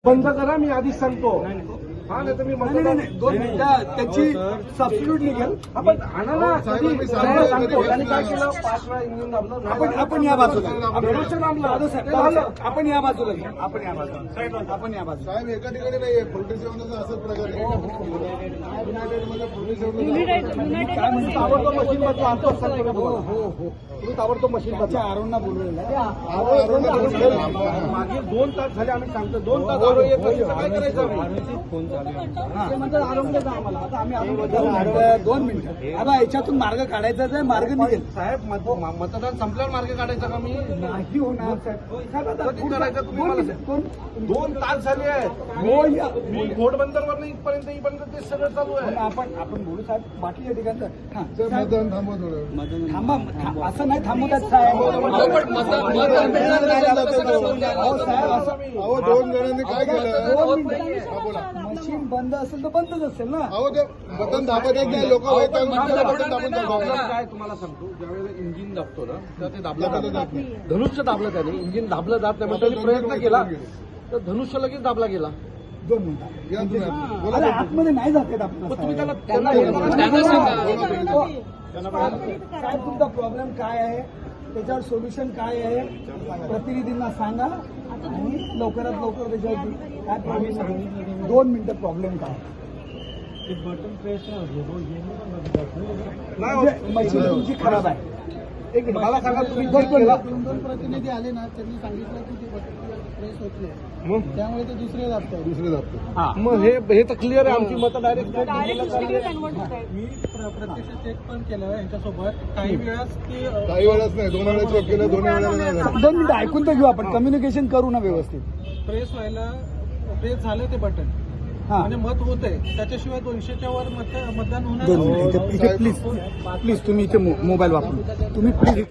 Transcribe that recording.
बंद करा, मी आधीच सांगतो. हा, नाही तर मी मतदान त्याची सबस्टिट्यूट निघेल. आपण आणा ना, कधी सांगतो. त्यांनी काय केलं, 5 वेळा इंजिन दाबलं. आपण या बाजूला धनुष्य दाबलं. आपण या बाजूला घ्या. आपण या बाजूला आपण या बाजूला साहेब एका ठिकाणी नाहीये, पोलीस सेवनाचा असंच प्रकार आहे. युनायटेडमध्ये पोलीस सेवनाचा ताबडतोब मशीन बदला. आणतो तुम्ही ताबडतोब मशीन बदला. आरोंना बोलवलेलं मागे 2 तास झाले आम्ही सांगतो. 2 तास आरोग्य येत नाही. काय करायचं आम्ही? म्हणतात आरोग्य जा आम्हाला. आता आम्ही आरोग्य 2 मिनिटं. आता याच्यातून मार्ग काढायचाच आहे. मार्ग निघेल. साहेब, मतदान संपल्यावर मार्ग काढायचा का मी? नाही होणार साहेब. कधी करायचं तुम्ही मला सांगा. 2 तास झाले आहेत. मी घोडबंदरवर इथपर्यंत ते सगळं चालू आहे. आपण बोलू साहेब बाकीच्या ठिकाणचं. मतदान थांबवा थोडं. थांबा असं नाही थांबवतात साहेब. अहो 2 जणांनी काय केलं? मशीन बंद असेल तर बंदच असेल ना. अहो ते बटन दाबत येत नाही, लोक बटन दाबून जातात. काय तुम्हाला सांगतो, ज्यावेळेला इंजिन दाबतो ना, तर ते दाबलं जात नाही. धनुष्य दाबलं त्याने, इंजिन दाबलं जात नाही. त्यांनी प्रयत्न केला तर धनुष्य लगेच दाबला गेला. 2 मिनिटं. या तुम्ही बोला. अरे आतमध्ये नाही जाते आपण. मग तुम्ही त्यांना साहेब तुमचा प्रॉब्लेम काय आहे, त्याच्यावर सोल्युशन काय आहे, प्रतिनिधींना सांगा आणि लवकरात लवकर त्याच्यावर काय प्रॉब्लेम आहे. 2 मिनिटं प्रॉब्लेम काय मशीन तुमची खराब आहे. एक मिनिट मला सांगा, तुम्ही दोन प्रतिनिधी आले ना, त्यांनी सांगितलं की ते प्रेस होत नाही, त्यामुळे ते दुसरे दाबतात. दुसरे दाबतो. मग हे तर क्लिअर आहे. आमची मतं डायरेक्ट मी प्रत्यक्ष चेक पण केलं यांच्यासोबत. काही वेळाच ते काही वेळाच नाही, 2 वेळा चेक केलं, 2 वेळेला नाही झालं. 2 मिनिटं ऐकून तर घेऊ आपण. कम्युनिकेशन करू ना व्यवस्थित. प्रेस व्हायला प्रेस झालं ते बटन हा म्हणजे मत होत आहे. त्याच्याशिवाय 200च्या वर मतदान होणार 2 नाही. मिनिटं इथे प्लीज तुम्ही इथे मोबाईल वापरू. तुम्ही प्लीज